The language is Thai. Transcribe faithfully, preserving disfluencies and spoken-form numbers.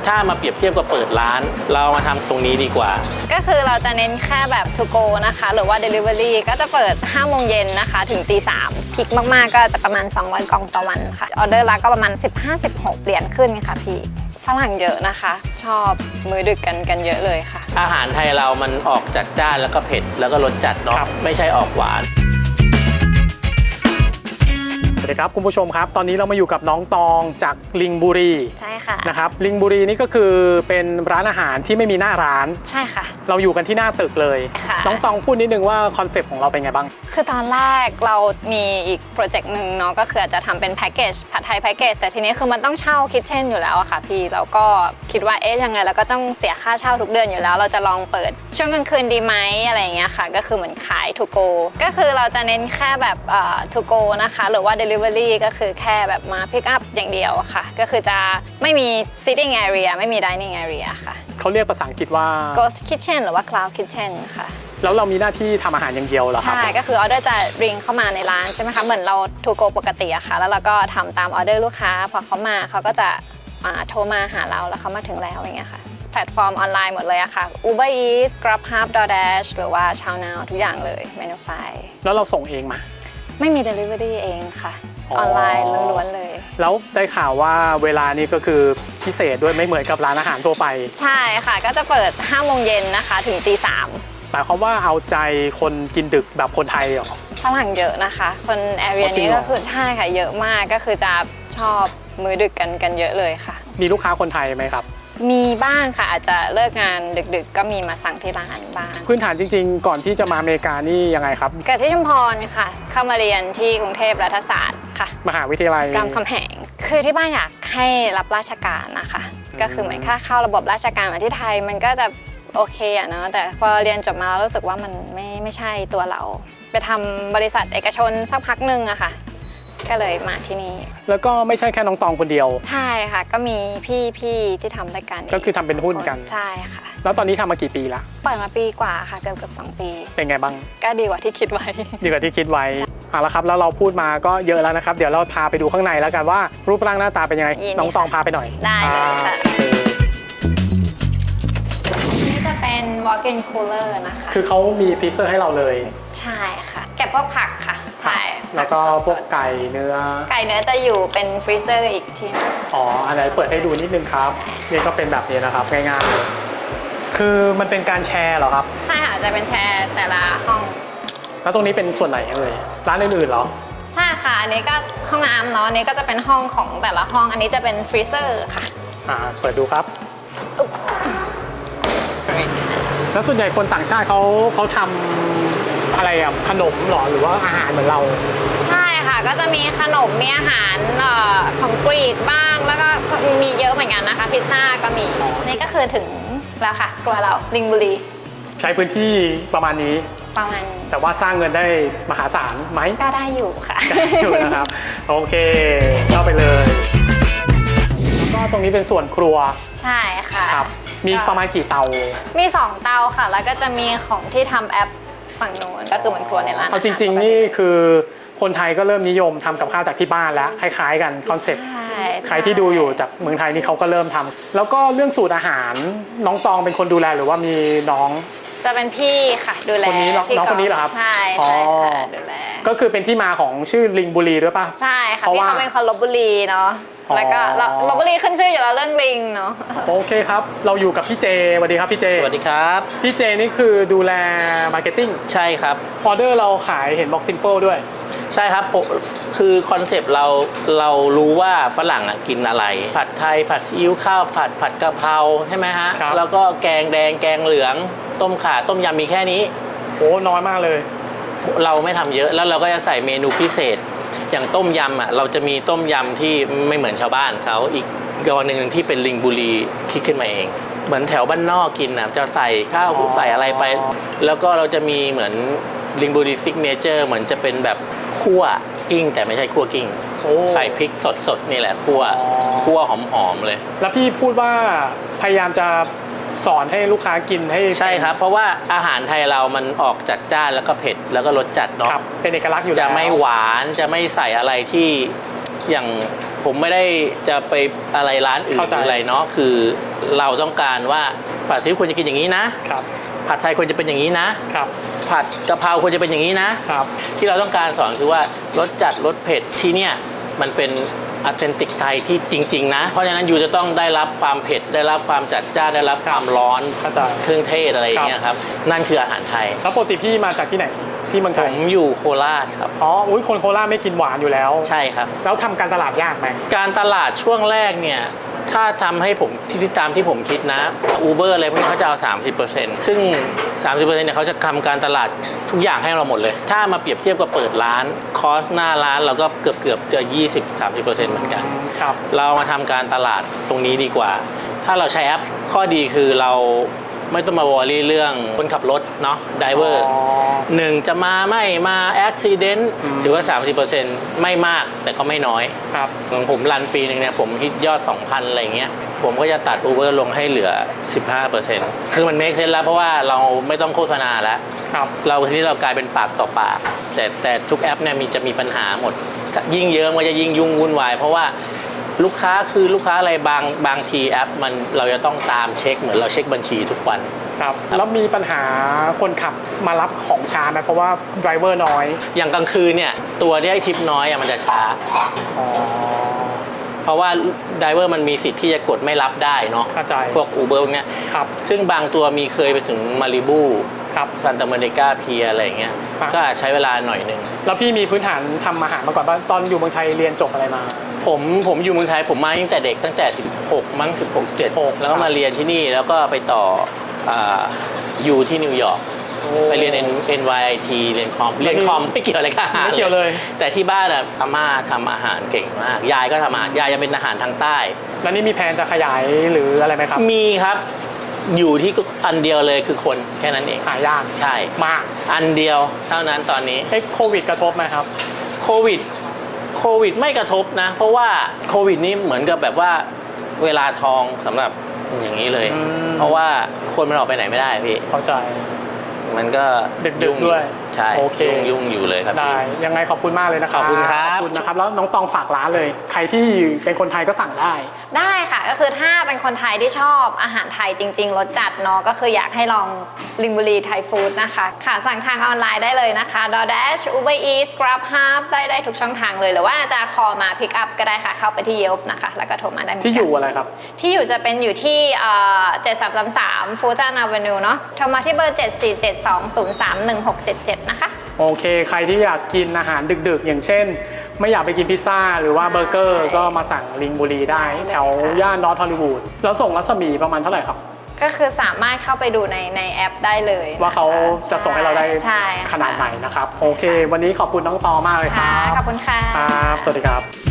ถ้ามาเปรียบเทียบกับเปิดร้านเรามาทำตรงนี้ดีกว่าก็คือเราจะเน้นแค่แบบ to go นะคะหรือว่า delivery ก็จะเปิดห้าโมงเย็นนะคะถึงตีสามพีคมากๆก็จะประมาณสองร้อยกล่องต่อวันค่ะออเดอร์ละก็ประมาณ สิบห้าสิบหก เหรียญขึ้นค่ะพี่ฝรั่งเยอะนะคะชอบมื้อดึกกันกันเยอะเลยค่ะอาหารไทยเรามันออกจัดจ้านแล้วก็เผ็ดแล้วก็รสจัดเนาะไม่ใช่ออกหวานสวัสดีครับคุณผู้ชมครับตอนนี้เรามาอยู่กับน้องตองจากลิงบุรีใช่ค่ะนะครับลิงบุรีนี่ก็คือเป็นร้านอาหารที่ไม่มีหน้าร้านใช่ค่ะเราอยู่กันที่หน้าตึกเลยน้องตองพูดนิดนึงว่าคอนเซปต์ของเราเป็นไงบ้างคือตอนแรกเรามีอีกโปรเจกต์หนึ่งเนาะก็คืออาจจะทำเป็นแพ็กเกจผัดไทยแพ็กเกจแต่ทีนี้คือมันต้องเช่าคิทเช่นอยู่แล้วอะค่ะพี่เราก็คิดว่าเอ๊ะยังไงเราก็ต้องเสียค่าเช่าทุกเดือนอยู่แล้วเราจะลองเปิดช่วงกลางคืนดีไหมอะไรอย่างเงี้ยค่ะก็คือเหมือนขายทูโกก็คือเราจะเน้นแค่แบบเอ่อทูโกนะคะหรือว่า delivery ก็คือแค่แบบมาพิกอัพอย่างเดียวค่ะก็คือจะไม่มี sitting area ไม่มี dining area ค่ะเขาเรียกภาษาอังกฤษว่า ghost kitchen หรือว่า cloud kitchen ค่ะแล้วเรามีหน้าที่ทำอาหารอย่างเดียวเหรอครับใช่ก็คือออเดอร์จะริงเข้ามาในร้านใช่ไหมคะเหมือนเราทูโกปกติอะค่ะแล้วเราก็ทำตามออเดอร์ลูกค้าพอเขามาเขาก็จะโทรมาหาเราแล้วเขามาถึงแล้วอย่างเงี้ยค่ะแพลตฟอร์มออนไลน์หมดเลยอะค่ะ Uber Eats Grubhub DoorDash หรือว่า ChowNow ทุกอย่างเลย Menufy แล้วเราส่งเองมาไม่มี Delivery เองค่ะออนไลน์ล้วนๆเลยแล้วได้ข่าวว่าเวลานี้ก็คือพิเศษด้วยไม่เหมือนกับร้านอาหารทั่วไปใช่ค่ะก็จะเปิดห้าโมงเย็นนะคะถึงตีสามหมายความว่าเอาใจคนกินดึกแบบคนไทยเหรอฝรั่งเยอะนะคะคนแอเรียนี้ก็คือใช่ค่ะเยอะมากก็คือจะชอบมื้อดึกกันกันเยอะเลยค่ะมีลูกค้าคนไทยไหมครับมีบ้างค่ะอาจจะเลิกงานดึกๆก็มีมาสั่งที่ร้านบ้างพื้นฐานจริงๆก่อนที่จะมาอเมริกานี่ยังไงครับเกิดที่ชุมพรค่ะเข้ามาเรียนที่กรุงเทพรัฐศาสตร์ค่ะมหาวิทยาลัยรามคำแหงคือที่บ้านอยากให้รับราชการนะคะก็คือเหมือนค่าเข้าระบบราชการมาที่ไทยมันก็จะโอเคอะเนาะแต่พอเรียนจบมาแล้วรู้สึกว่ามันไม่ไม่ใช่ตัวเราไปทำบริษัทเอกชนสักพักหนึ่งอะค่ะก็เลยมาที่นี่แล้วก็ไม่ใช่แค่น้องตองคนเดียวใช่ค่ะก็มีพี่ๆที่ทำด้วยกันก็คือทำเป็นหุ้นกันใช่ค่ะแล้วตอนนี้ทำมากี่ปีละเปิดมาปีกว่าค่ะเกือบเกือบสองปีเป็นไงบ้างก็ดีกว่าที่คิดไว้ดีกว่าที่คิดไว้เอาละครับแล้วเราพูดมาก็เยอะแล้วนะครับเดี๋ยวเราพาไปดูข้างในแล้วกันว่ารูปร่างหน้าตาเป็นยังไงน้องตองพาไปหน่อยได้เลยค่ะนี่จะเป็น walk-in cooler นะคะคือเขามีฟรีเซอร์ให้เราเลยใช่ค่ะเก็บพวกผักค่ะใช่แล้วก็พวกไก่เนื้อไก่เนื้อจะอยู่เป็นฟรีเซอร์อีกทีนึงอ๋ออันไหนเปิดให้ดูนิดนึงครับนี่ก็เป็นแบบนี้นะครับง่ายๆเลยคือมันเป็นการแชร์เหรอครับใช่ค่ะจะเป็นแชร์แต่ละห้องแล้วตรงนี้เป็นส่วนไหนเลยร้านอื่นๆเหรอใช่ค่ะอันนี้ก็ห้องน้ำเนาะอันนี้ก็จะเป็นห้องของแต่ละห้องอันนี้จะเป็นฟรีเซอร์ค่ะอ่าเปิดดูครับแล้วส่วนใหญ่คนต่างชาติเขาเขาทำอะไรอ่ะขนมหรอหรือว่าอาหารเหมือนเราใช่ค่ะก็จะมีขนมมีอาหารของกรีกบ้างแล้วก็มีเยอะเหมือนกันนะคะพิซซ่าก็มีนี่ก็คือถึงแล้วค่ะครัวเราลิงบุรีใช้พื้นที่ประมาณนี้ประมาณแต่ว่าสร้างเงินได้มหาศาลไหมก็ได้อยู่ค่ะอยู่นะครับโอเคเข้าไปเลยแล้วก็ตรงนี้เป็นส่วนครัวใช่ค่ะครับมีประมาณกี่เตามีสองเตาค่ะแล้วก็จะมีของที่ทำแอปฝั่งโน้นก็คือเหมือนครัวในร้านเอาจริงๆนี่คือคนไทยก็เริ่มนิยมทำกับข้าวจากที่บ้านแล้วคล้ายๆกันคอนเซ็ปต์ใครที่ดูอยู่จากเมืองไทยนี่เขาก็เริ่มทำแล้วก็เรื่องสูตรอาหารน้องตองเป็นคนดูแลหรือว่ามีน้องจะเป็นพี่ค่ะดูแลคนนี้น้องคนนี้เหรอครับใช่ใช่ค่ะดูแลก็คือเป็นที่มาของชื่อลิงบุรีด้วยป่ะใช่ค่ะพี่เขาเป็นคนลพบุรีเนาะแล้วก็ลพบุรีขึ้นชื่ออยู่แล้วเรื่องลิงเนาะโอเคครับเราอยู่กับพี่เจสวัสดีครับพี่เจสวัสดีครับพี่เจนี่คือดูแลมาร์เก็ตติ้งใช่ครับออเดอร์เราขายเห็นบอกซิมเปิลด้วยใช่ครับคือคอนเซปต์เราเรารู้ว่าฝรั่งอ่ะกินอะไรผัดไทยผัดซีอิ๊วข้าวผัดผัดกะเพราใช่ไหมฮะแล้วก็แกงแดงแกงเหลืองต้มข่าต้มยำมีแค่นี้โอ้น้อยมากเลยเราไม่ทำเยอะแล้วเราก็จะใส่เมนูพิเศษอย่างต้มยำอ่ะเราจะมีต้มยำที่ไม่เหมือนชาวบ้านเขาอีกกรณีหนึ่งที่เป็นลิงบุรีคิดขึ้นมาเองเหมือนแถวบ้านนอกกินอ่ะจะใส่ข้าวใส่อะไรไปแล้วก็เราจะมีเหมือนลิงบุรีซิกเนเจอร์เหมือนจะเป็นแบบคั่วกิ้งแต่ไม่ใช่คั่วกิ้งใส่พริกสดๆนี่แหละคั่วคั่วหอมๆเลยแล้วพี่พูดว่าพยายามจะสอนให้ลูกค้ากินให้ใช่ครับเพราะว่าอาหารไทยเรามันออกจัดจ้านแล้วก็เผ็ดแล้วก็รสจัดเนาะเป็นเอกลักษณ์อยู่แล้วจะไม่หวานจะไม่ใส่อะไรที่อย่างผมไม่ได้จะไปอะไรร้านอื่นเข้าใจหรืออะไรเนาะคือเราต้องการว่าผัดซีอิ๊วควรจะกินอย่างนี้นะครับ ผัดไทยควรจะเป็นอย่างนี้นะครับ ผัดกะเพราควรจะเป็นอย่างนี้นะครับ ที่เราต้องการสอนคือว่ารสจัดรสเผ็ดที่เนี่ยมันเป็นอ t เ e นติกไทยที่จริงๆนะเพราะฉะนั้นยูจะต้องได้รับความเผ็ดได้รับความจัดจ้านได้รับความร้อนเข้าใจเครื่องเทศอะไรอย่างเงี้ยครับนั่นคืออาหารไทยแล้วปกติพี่มาจากที่ไหนที่เมืองไทผยมอยู่โคราชครับอ๋ออุ้ยคนโคราชไม่กินหวานอยู่แล้วใช่ครับแล้วทำการตลาดยากไหมการตลาดช่วงแรกเนี่ยถ้าทำให้ผมที่ตามที่ผมคิดนะ Uber อะไรพวกนี้เขาจะเอา สามสิบเปอร์เซ็นต์ ซึ่ง สามสิบเปอร์เซ็นต์ เนี่ยเขาจะทำการตลาดทุกอย่างให้เราหมดเลย ถ้ามาเปรียบเทียบกับเปิดร้านคอสหน้าร้านเราก็เกือบเกือบๆจะ ยี่สิบถึงสามสิบเปอร์เซ็นต์ เหมือนกันครับเรามาทำการตลาดตรงนี้ดีกว่า ถ้าเราใช้แอปข้อดีคือเราไม่ต้องมาวอรี่เรื่องคนขับรถเนาะไดเวอร์อ๋อหนึ่งจะมาไม่มาอุบิเหตุอืมถือว่า สามสิบเปอร์เซ็นต์ ไม่มากแต่ก็ไม่น้อยครับของผมรันปีหนึ่งเนี่ยผมฮิตยอด สองพัน อะไรเงี้ยผมก็จะตัด Uber ลงให้เหลือ สิบห้าเปอร์เซ็นต์ คือมัน make sense แล้วเพราะว่าเราไม่ต้องโฆษณาแล้วครับเราทีนี้เรากลายเป็นปากต่อปาก แต่แต่ทุกแอปเนี่ยมีจะมีปัญหาหมด ยิ่งเยอะมันจะยิ่งยุ่งวุ่นวาย เพราะว่าลูกค้าคือลูกค้าอะไรบางบางทีแอปมันเราจะต้องตามเช็คเหมือนเราเช็คบัญชีทุกวันครับแล้วมีปัญหาคนขับมารับของช้าไหมเพราะว่าไดรเวอร์น้อยอย่างกลางคืนเนี่ยตัวที่ให้ทิปน้อยอะมันจะช้าอ๋อเพราะว่าไดเวอร์มันมีสิทธิ์ที่จะกดไม่รับได้เนาะเข้าใจพวก Uber พวกเนี้ยครับซึ่งบางตัวมีเคยไปถึงมาริบูครับซันตาเมริกาเพียอะไรอย่างเงี้ยครับก็อาจใช้เวลาหน่อยหนึ่งแล้วพี่มีพื้นฐานทำอาหารมาก่อนป่ะตอนอยู่เมืองไทยเรียนจบอะไรมาผมผมอยู่เมืองไทยผมมาตั้งแต่เด็กตั้งแต่ สิบหก มั้ง สิบหก สิบเจ็ด แล้วก็มาเรียนที่นี่แล้วก็ไปต่ออ่าอยู่ที่นิวยอร์กไปเรียน เอ็น วาย ไอ ที เรียนคอมเรียนคอมไม่เกี่ยวอะไรกับอาหารไม่เกี่ยวเลยแต่ที่บ้านอะอาม่าทำอาหารเก่งมาก ยายก็ทำอาหารยายยังเป็นอาหารทางใต้แล้วนี่มีแผนจะขยายหรืออะไรไหมครับมีครับอยู่ที่อันเดียวเลยคือคนแค่นั้นเองหายากใช่มากอันเดียวเท่านั้นตอนนี้เอ้โควิดกระทบไหมครับโควิดโควิดไม่กระทบนะ เพราะว่าโควิดนี้เหมือนกับแบบว่าเวลาทองสำหรับอย่างนี้เลยอืมเพราะว่าคนมันออกไปไหนไม่ได้พี่เข้าใจมันก็ดึกๆยุ่งด้วยใช่โอเคยุ่งยุ่งอยู่เลยครับได้พี่ยังไงขอบคุณมากเลยนะครับขอบคุณครับขอบคุณนะครับ แล้วน้องตองฝากร้านเลย ใครที่เป็นคนไทยก็สั่งได้ได้ค่ะก็คือถ้าเป็นคนไทยที่ชอบอาหารไทยจริงๆรสจัดเนาะก็คืออยากให้ลองลิงบุรีไทยฟู้ดนะคะค่ะสั่งทางออนไลน์ได้เลยนะคะ DoorDash Uber Eats GrabHub ได้ได้ทุกช่องทางเลยหรือว่าจะคอมา pick up ก็ได้ค่ะเข้าไปที่ Yelp นะคะแล้วก็โทรมาได้เหมือนกันที่อยู่อะไรครับที่อยู่จะเป็นอยู่ที่เอ่อเจ็ดสามสามสามฟูจานอเวนิวเนาะโทรมาที่เบอร์เจ็ดสี่เจ็ดสองศูนย์สามหนึ่งหกเจ็ดเจ็ดนะคะโอเค ใครที่อยากกินอาหารดึกๆ อย่างเช่น ไม่อยากไปกินพิซซ่า หรือว่าเบอร์เกอร์ ก็มาสั่งลิงบุรีได้ แถวย่านนอร์ทฮอลลีวูดแล้วส่งรัศมีประมาณเท่าไหร่ครับก็คือสามารถเข้าไปดูในในแอปได้เลยนะคะว่าเขาจะส่งให้เราได้ใช่ค่ะขนาดไหนนะครับ โอเค วันนี้ขอบคุณน้องตอมากเลยคค่ะรับขอบคุณค่ะครับ สวัสดีครับ